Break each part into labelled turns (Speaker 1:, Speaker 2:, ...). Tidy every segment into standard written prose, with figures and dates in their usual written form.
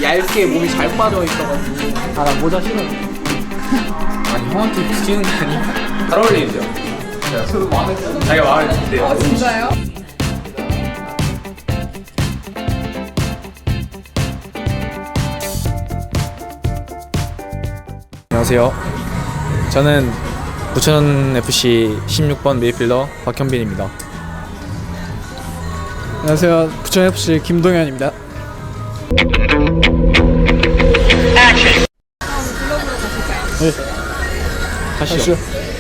Speaker 1: 얇게 몸이 잘 빠져 있어가지고. 아, 나 모자 싫어.
Speaker 2: 아니 형한테 붙이는 게 아니고 잘 어울리죠?
Speaker 1: 저도 마음에 들어요.
Speaker 2: 자기가 마음에 든대요.
Speaker 3: 진짜요?
Speaker 2: 안녕하세요. 저는 부천FC 16번 메이필더 박현빈입니다.
Speaker 1: 안녕하세요. 부천FC 김동현입니다. 네.
Speaker 2: 가시죠.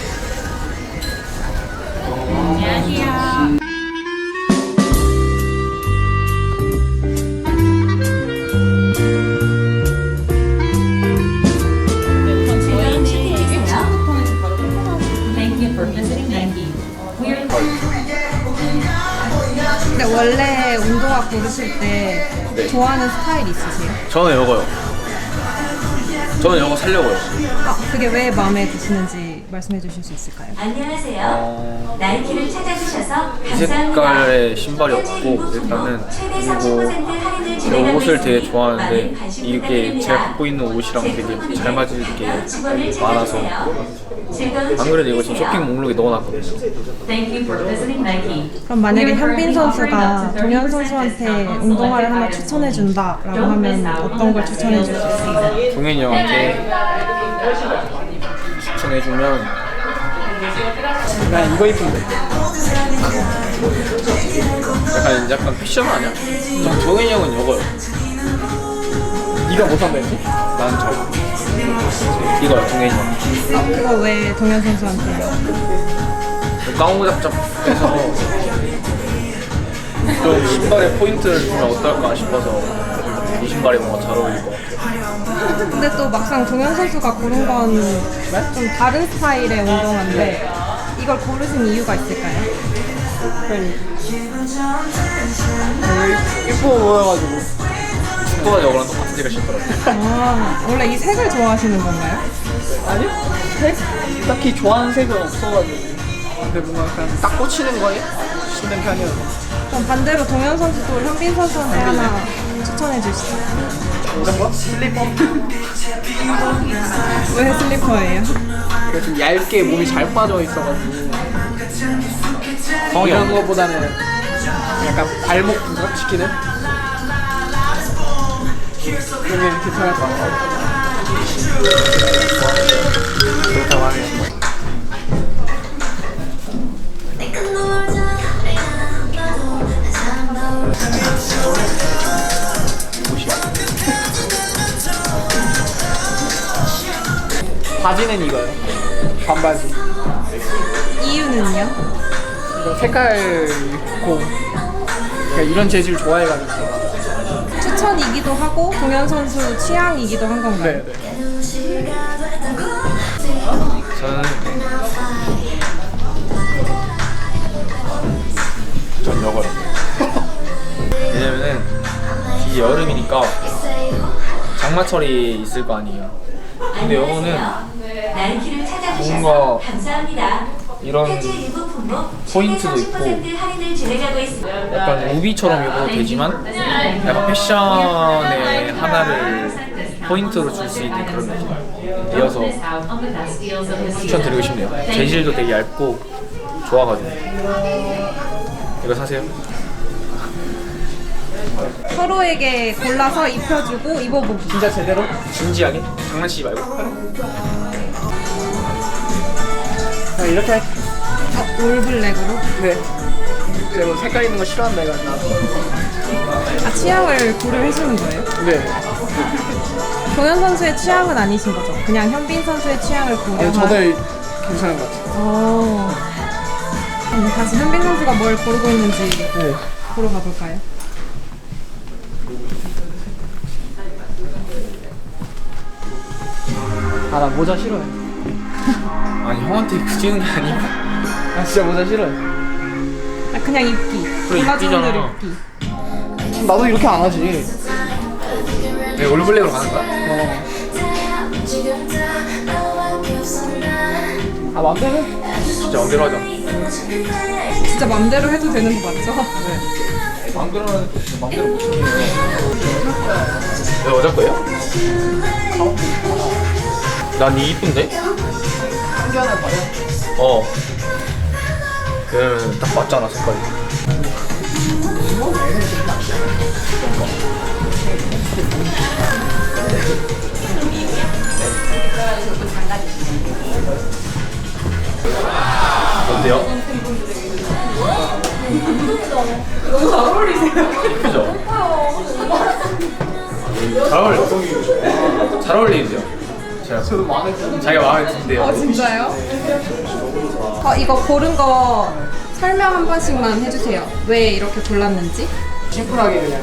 Speaker 3: 근데 원래 운동화 고르실 때 좋아하는 스타일 있으세요?
Speaker 2: 저는 이거요. 저는 이거 살려고요.
Speaker 3: 아, 그게 왜 마음에 드시는지 말씀해 주실 수 있을까요?
Speaker 4: 안녕하세요. 나이키를 찾아주셔서
Speaker 2: 이
Speaker 4: 감사합니다.
Speaker 2: 색깔의 신발이었고 일단은 그리고 이 옷을 되게 좋아하는데 이게 제가 갖고 있는 옷이랑 되게 잘 맞을 게 많아서 안 그래도 이거 지금 쇼핑 목록에 넣어놨거든요.
Speaker 3: 그럼 만약에 현빈 선수가 동현 선수한테 운동화를 하나 추천해 준다라고 하면 어떤 걸 추천해 줄 수 있어요?
Speaker 2: 동현이 형한테 추천해주면
Speaker 1: 난 이거 이쁜데.
Speaker 2: 약간 패션 아니야? 전 동현이 형은 이거요.
Speaker 1: 네가 뭐 산다 했지?
Speaker 2: 난 저거. 이거요, 동현이 형.
Speaker 3: 그거 왜 동현 선수한테요?
Speaker 2: 깡우잡잡해서 좀 신발에 포인트를 주면 어떨까 싶어서 이 신발이 뭔가 잘 어울릴 것 같아요.
Speaker 3: 근데 또 막상 동현 선수가 고른 건 좀 다른 스타일의 운동화인데 이걸 고르신 이유가 있을까요?
Speaker 1: 이뻐 보여가지고.
Speaker 2: 축구가 저거랑 똑같은 색을 신더라고요.
Speaker 3: 아, 원래 이 색을 좋아하시는 건가요?
Speaker 1: 아니요? 색? 딱히 좋아하는 색은 없어가지고. 근데 뭔가 그냥 딱 꽂히는 거에 신는 편이어서.
Speaker 3: 그럼 반대로 동현 선수도 현빈 선수한테 하나 추천해 주시죠.
Speaker 1: 이런 거? 슬리퍼?
Speaker 3: 왜 슬리퍼예요?
Speaker 1: 이거 좀 얇게 몸이 잘 빠져 있어가지고.
Speaker 2: 성이
Speaker 1: 이런
Speaker 2: 형.
Speaker 1: 거보다는 약간 발목 부각시키는? 그러면 괜찮을 것 같아요.
Speaker 2: 그렇다고 하네요.
Speaker 1: 바지는 이거요. 반바지.
Speaker 3: 이유는요?
Speaker 1: 이거 색깔 있고 그러니까 이런 재질 좋아해가지고.
Speaker 3: 추천이기도 하고 동현 선수 취향이기도 한 건가요?
Speaker 1: 네네.
Speaker 2: 저는 전 이거요. 왜냐면은 이제 여름이니까 장마철이 있을 거 아니에요. 근데 이거는
Speaker 4: 나이키를 찾아주셔서
Speaker 2: 뭔가
Speaker 4: 감사합니다.
Speaker 2: 이런
Speaker 4: 현재 일부 품목
Speaker 2: 포인트도
Speaker 4: 최대
Speaker 2: 있고
Speaker 4: 30% 할인을 진행하고 있습니다.
Speaker 2: 약간 우비처럼 입어도 되지만 약간 패션의 하나를 포인트로 줄 수 있는 그런 느낌이어서 추천드리고 싶네요. 재질도 되게 얇고 좋아가지고 이거 사세요.
Speaker 3: 서로에게 골라서 입혀주고 입어보기.
Speaker 1: 진짜 제대로?
Speaker 2: 진지하게 장난치지 말고.
Speaker 1: 그냥 이렇게 할게.
Speaker 3: 올블랙으로?
Speaker 1: 네. 제가 뭐 색깔 있는 거 싫어한다 해가지고.
Speaker 3: 아, 취향을 고려해주는 거예요?
Speaker 1: 네.
Speaker 3: 동현 선수의 취향은 아니신 거죠? 그냥 현빈 선수의 취향을 고려한.
Speaker 1: 저도 괜찮은 것 같아요.
Speaker 3: 다시 현빈 선수가 뭘 고르고 있는지
Speaker 1: 네.
Speaker 3: 보러 가볼까요?
Speaker 1: 아, 나 모자 싫어해.
Speaker 2: 아니 형한테 붙이는 게 아니고
Speaker 1: 나 진짜 모자 싫어해.
Speaker 3: 아, 그냥 입기.
Speaker 2: 그래,
Speaker 3: 골라주는 대로
Speaker 2: 입기잖아.
Speaker 3: 입기.
Speaker 1: 나도 이렇게 안 하지.
Speaker 2: 왜 올블랙으로 가는 거야?
Speaker 1: 아, 맘대로 해.
Speaker 2: 진짜 맘대로 하자.
Speaker 3: 진짜 맘대로 해도 되는 거 맞죠?
Speaker 2: 맘대로 하는 거 진짜 맘대로 못 시키네요. 너 여자 거예요? 난 이 이쁜데?
Speaker 1: 한견을 봐요.
Speaker 2: 어. 그러면 딱 맞잖아 색깔이. 어때요?
Speaker 1: 너무 잘 어울리세요.
Speaker 2: 예쁘죠? 잘 어울려. 잘 어울리죠? 제가
Speaker 1: 저도 마음에 드는.
Speaker 2: 자기가 마음에 든대요.
Speaker 3: 진짜요? 이거 고른 거 설명 한 번씩만 해주세요. 왜 이렇게 골랐는지?
Speaker 1: 심플하게 그냥.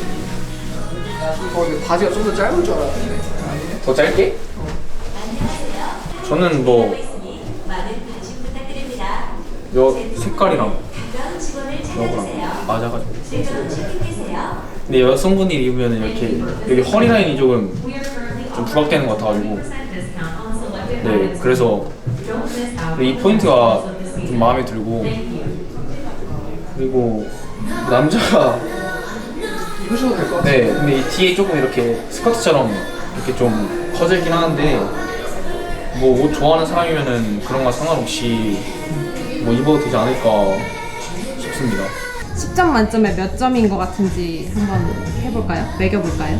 Speaker 1: 근데 바지가 좀 더 짧을 줄 알았는데.
Speaker 2: 더 짧게? 저는 뭐
Speaker 4: 많은 관심 부탁드립니다.
Speaker 2: 요 색깔이랑
Speaker 4: 가까운 직원을 찾아주세요.
Speaker 2: 요거랑 맞아가지고.
Speaker 4: 즐거운 쇼핑되세요.
Speaker 2: 근데 여성분이 입으면 이렇게 여기 허리 라인이 조금 좀 부각되는 것 같아가지고. 네, 그래서 이 포인트가 좀 마음에 들고. 그리고 남자가
Speaker 1: 입으셔도 될 것 같아요.
Speaker 2: 네, 근데 이 뒤에 조금 이렇게 스커트처럼 이렇게 좀 커지긴 하는데 뭐 옷 좋아하는 사람이면은 그런 거 상관없이 뭐 입어도 되지 않을까 싶습니다.
Speaker 3: 10점 만점에 몇 점인 것 같은지 한번 해볼까요? 매겨볼까요?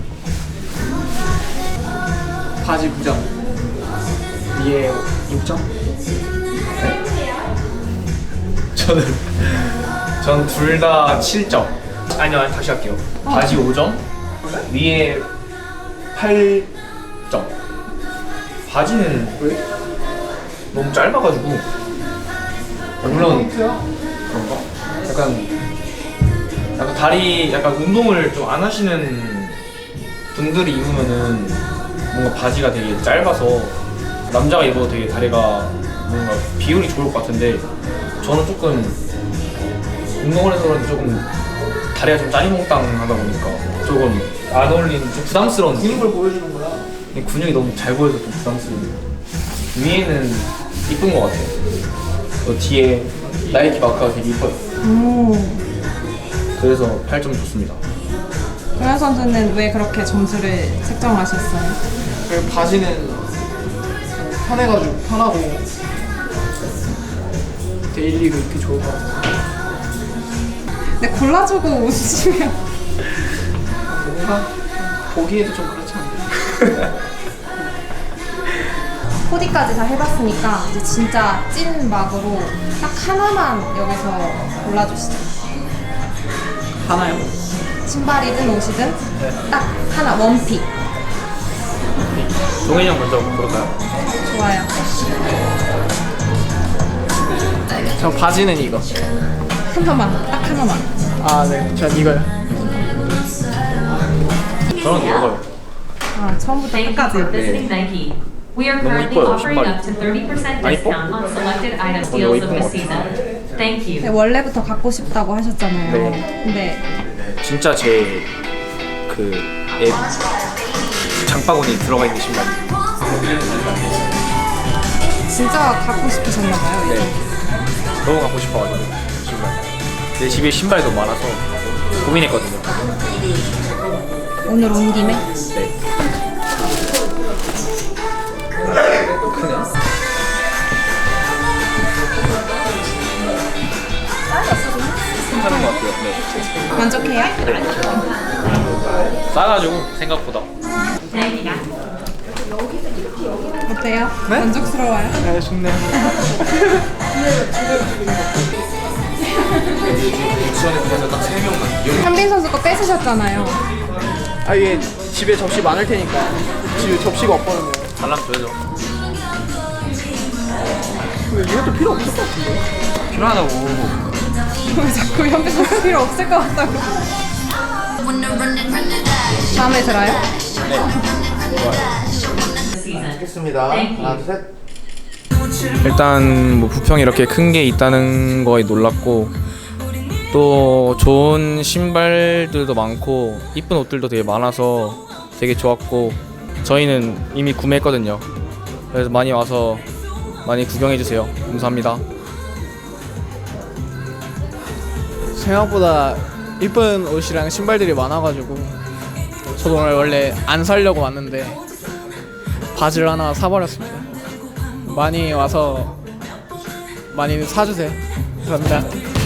Speaker 1: 바지 9점. 위에 6점.
Speaker 2: 전 둘 다 7점. 아니요, 다시 할게요. 바지 5점, 위에 8점. 바지는
Speaker 1: 왜?
Speaker 2: 너무 짧아가지고. 물론
Speaker 1: 포인트야.
Speaker 2: 그런가? 약간 다리, 약간 운동을 좀 안 하시는 분들이 입으면은 뭔가 바지가 되게 짧아서 남자가 입어도 되게 다리가 뭔가 비율이 좋을 것 같은데 저는 조금 운동을 해서 그런지 조금 다리가 좀 짜리몽땅하다 보니까 조금 안 어울리는 좀 부담스러운 느낌?
Speaker 1: 근육을 보여주는구나.
Speaker 2: 근육이 너무 잘 보여서 좀 부담스러워요. 위에는 이쁜 것 같아요. 뒤에 나이키 마크가 되게 이뻐요. 그래서 8점 좋습니다.
Speaker 3: 동현 선수는 왜 그렇게 점수를 책정하셨어요?
Speaker 1: 그리고 바지는 편해가지고 편하고 데일리로 입기 좋을 것 같아요.
Speaker 3: 근데 골라주고 웃으시면
Speaker 1: 뭔가 보기에도 좀 그렇지 않나요?
Speaker 3: 코디까지 다 해봤으니까 이제 진짜 찐 막으로 딱 하나만 여기서 골라주시죠.
Speaker 1: 하나요?
Speaker 3: 신발이든 옷이든 딱 하나 원픽.
Speaker 2: 종현이 형 먼저 볼까요?
Speaker 3: 좋아요.
Speaker 1: 저 바지는 이거.
Speaker 3: 하나만, 딱 하나만.
Speaker 1: 아, 네. 전 이거요.
Speaker 2: 저는 이거요.
Speaker 3: 아, 처음부터
Speaker 5: Thank you for
Speaker 3: 끝까지.
Speaker 5: visiting Nike. We are
Speaker 2: 너무
Speaker 5: currently
Speaker 2: 이뻐요,
Speaker 5: offering
Speaker 2: 신발이.
Speaker 5: up to 30%
Speaker 2: 아, 이뻐?
Speaker 5: discount on selected item
Speaker 2: 이거
Speaker 5: deals
Speaker 2: 이쁜
Speaker 5: of the
Speaker 2: 것
Speaker 5: season. Thank you.
Speaker 3: 네, 원래부터 갖고 싶다고 하셨잖아요.
Speaker 2: 네.
Speaker 3: 근데
Speaker 2: 진짜 제 그 앱 장바구니 들어가 있는 신발.
Speaker 3: 진짜 갖고 싶으셨나봐요.
Speaker 2: 네. 너무 갖고 싶어가지고 신발. 내 집에 신발이 너무 많아서 고민했거든요.
Speaker 3: 오늘 온 김에
Speaker 2: 네. 크네. 괜찮은 것 같아요. 네.
Speaker 3: 만족해요?
Speaker 2: 싸가지고 생각보다.
Speaker 3: 어때요?
Speaker 1: 네?
Speaker 3: 만족스러워요?
Speaker 1: 네, 좋네요.
Speaker 2: 수원에 그래서 딱 3명만.
Speaker 3: 현빈 선수 거 뺏으셨잖아요.
Speaker 1: 아, 이게 집에 접시 많을 테니까. 집에 접시가 없거든요.
Speaker 2: 잘라면 줘야죠.
Speaker 1: 근데 이것도 필요 없을 것 같은데.
Speaker 2: 필요하다고.
Speaker 3: 왜 자꾸 현빈 선수 필요 없을 것 같다고. 마음에 들어요?
Speaker 6: 하겠습니다. 하나, 둘, 셋.
Speaker 2: 일단 뭐 부평이 이렇게 큰 게 있다는 거에 놀랐고 또 좋은 신발들도 많고 이쁜 옷들도 되게 많아서 되게 좋았고 저희는 이미 구매했거든요. 그래서 많이 와서 많이 구경해 주세요. 감사합니다.
Speaker 1: 생각보다 이쁜 옷이랑 신발들이 많아가지고 저도 오늘 원래 안 사려고 왔는데 바지를 하나 사버렸습니다. 많이 와서 많이 사주세요. 감사합니다.